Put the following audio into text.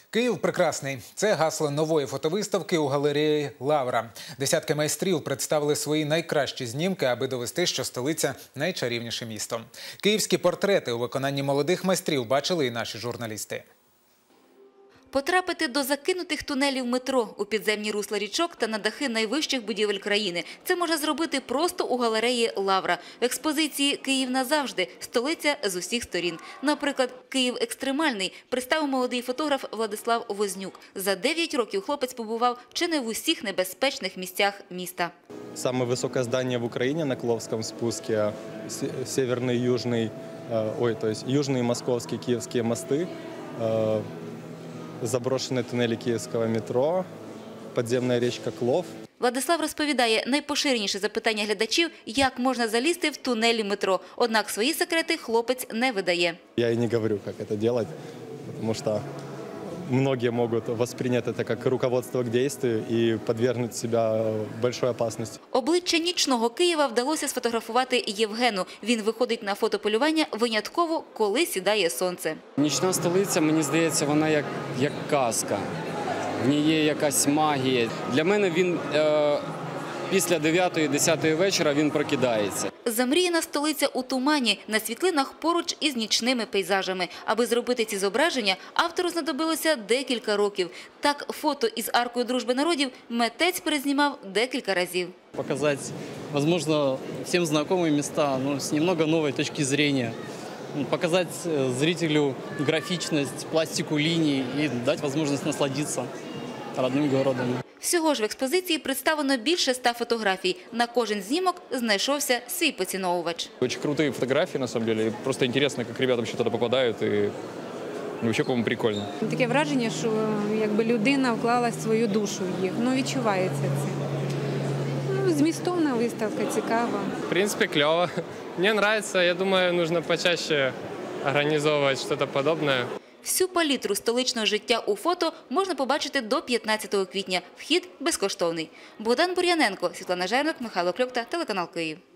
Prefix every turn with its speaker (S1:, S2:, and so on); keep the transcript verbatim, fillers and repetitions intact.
S1: Київ прекрасний. Це гасло нової фотовиставки у галереї «Лавра». Десятки майстрів представили свої найкращі знімки, аби довести, що столиця – найчарівніше місто. Київські портрети у виконанні молодих майстрів бачили і наші журналісти.
S2: Потрапити до закинутих тунелів метро, у підземні русла річок та на дахи найвищих будівель країни – це можна зробити просто у галереї «Лавра». В експозиції «Київ назавжди» – столиця з усіх сторін. Наприклад, «Київ екстремальний» представив молодий фотограф Владислав Вознюк. За дев'ять років хлопець побував чи не в усіх небезпечних місцях міста.
S3: Самое высокое здание в Украине на Кловском спуске, северный, южный, ой, то есть южные московские, киевские мосты, заброшені тунелі київського метро, підземна річка Клов.
S2: Владислав розповідає, найпоширеніше запитання глядачів – як можна залізти в тунелі метро. Однак свої секрети хлопець не видає.
S3: Я і не говорю, як це робити, тому що многие могут воспринять это как руководство к действию и подвергнуть себя большой опасности.
S2: Обличчя нічного Києва вдалося сфотографувати Євгену. Він виходить на фотополювання винятково, коли сідає сонце.
S4: Нічна столиця, мені здається, вона як, як казка. В ній є якась магія. Для мене він е, після дев'ятої-десятої вечора він прокидається.
S2: Замріяна столиця у тумані, на світлинах поруч із нічними пейзажами. Аби зробити ці зображення, автору знадобилося декілька років. Так, фото із аркою дружби народів митець перезнімав декілька разів.
S5: Показати, можливо, всім знайомі місця, ну, з немного нової точки зору. Показати зрителю графічність, пластику ліній і дати можливість насладитися родним городом.
S2: Всього ж в експозиції представлено більше ста фотографій. На кожен знімок знайшовся свій поціновувач.
S6: Очень крутые фотографии, на самом деле. Просто интересно, как ребята вообще туда попадают. И вообще, по-моему, прикольно.
S7: Таке враження, що якби людина вклала свою душу в їх. Ну, відчувається це. Ну, змістовна виставка, цікава.
S8: В принципе, клево. Мне нравится. Я думаю, нужно почаще организовывать что-то подобное.
S2: Всю палітру столичного життя у фото можна побачити до п'ятнадцятого квітня. Вхід безкоштовний. Богдан Бур'яненко, Світлана Жернок, Михайло Кльопта, телеканал «Київ».